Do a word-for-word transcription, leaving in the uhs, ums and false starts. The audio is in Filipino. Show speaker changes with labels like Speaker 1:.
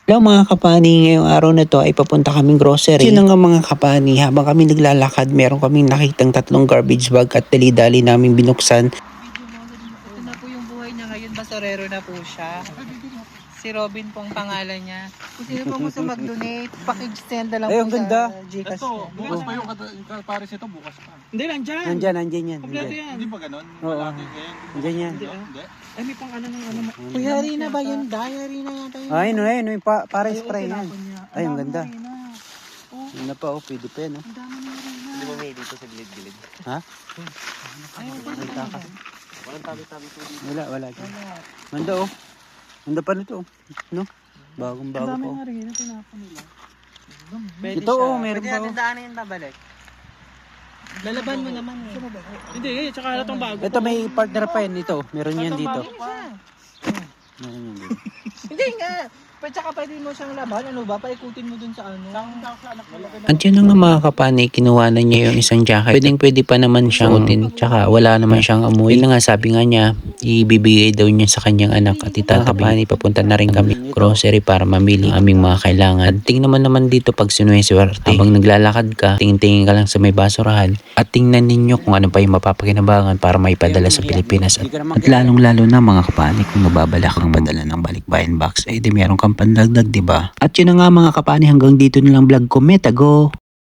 Speaker 1: Hello mga kapani, ngayong araw na to ay papunta kaming grocery. Yun na nga mga kapani, habang kami naglalakad, meron kaming nakitang tatlong garbage bag at dali-dali namin binuksan.
Speaker 2: Ito na po yung buhay niya ngayon, basurero na po siya. Si Robin pong pangalan niya. Kung sino po gusto mag-donate, pakig-send na lang
Speaker 1: Ay,
Speaker 2: po
Speaker 1: ang ganda.
Speaker 2: sa Gcash
Speaker 3: Ito,
Speaker 2: niya.
Speaker 3: bukas pa yung kat- yung pares ito, bukas pa.
Speaker 4: Hindi, nandyan.
Speaker 1: Nandyan, nandyan yan.
Speaker 4: Kompleto
Speaker 1: Nandyan.
Speaker 4: yan.
Speaker 3: Hindi ba ganun?
Speaker 1: Oo.
Speaker 3: Malaki kayo.
Speaker 1: Nandyan yan.
Speaker 3: Hindi. Hindi.
Speaker 4: Ay, may pang ano ng ano.
Speaker 2: Kuya Rina ba yun? Diary na yata yun.
Speaker 1: Ay, no, ay, no, yung pa, para
Speaker 4: Ay,
Speaker 1: spray yan.
Speaker 4: tinapon niya.
Speaker 1: Ay, ang
Speaker 4: dami
Speaker 1: ganda.
Speaker 4: na rin, ah. Oh,
Speaker 1: Yun na pa, oh, pwede pa yan, oh.
Speaker 4: ang dami na rin, ah.
Speaker 3: Hindi ba may dito sa gilid-gilid?
Speaker 1: Ha?
Speaker 4: Ay, ang
Speaker 1: May
Speaker 4: ganda.
Speaker 1: takas.
Speaker 3: Walang tabi-tabi po dito.
Speaker 1: Wala, wala. dyan. Ganda, oh. Ganda pa nito, oh. No? Bagong
Speaker 4: Ang
Speaker 1: bago
Speaker 4: dami
Speaker 1: pa, oh.
Speaker 4: na rin, ang tinapon nila.
Speaker 2: Pwede
Speaker 1: Ito,
Speaker 2: siya.
Speaker 1: oh, meron
Speaker 2: Pwede
Speaker 1: pa,
Speaker 2: natin
Speaker 1: oh.
Speaker 2: daanin yung babalik. Lalaban mo naman eh.
Speaker 4: Hindi, eh, tsaka na itong bago.
Speaker 1: Ito may partner pa yan dito. Meron yan dito.
Speaker 4: bago pa.
Speaker 1: Meron yan dito.
Speaker 2: Hindi nga. Pero tsaka pwede mo siyang laban. Ano ba? Paikutin mo dun sa ano.
Speaker 1: At yun na nga mga kapani, kinuha na niya yung isang jacket. Pwedeng pwede pa naman siyang suotin, tsaka wala naman siyang amoy. Yun na nga, sabi nga niya, ibibigay daw niya sa kanyang anak at itatabi. Papunta na rin kami grocery para mamili ang aming mga kailangan. At tingnan mo naman dito pag sinuweswerte. Habang naglalakad ka, tingin-tingin ka lang sa may basurahan at tingnan ninyo kung ano pa yung mapapakinabangan para maipadala sa Pilipinas. At, at lalong-lalo na mga kapani, kung mababala kang padala ng balikbayan box, eh di meron kang pandagdag, diba? At yun na nga mga kapani, hanggang dito na lang vlog ko. Metago!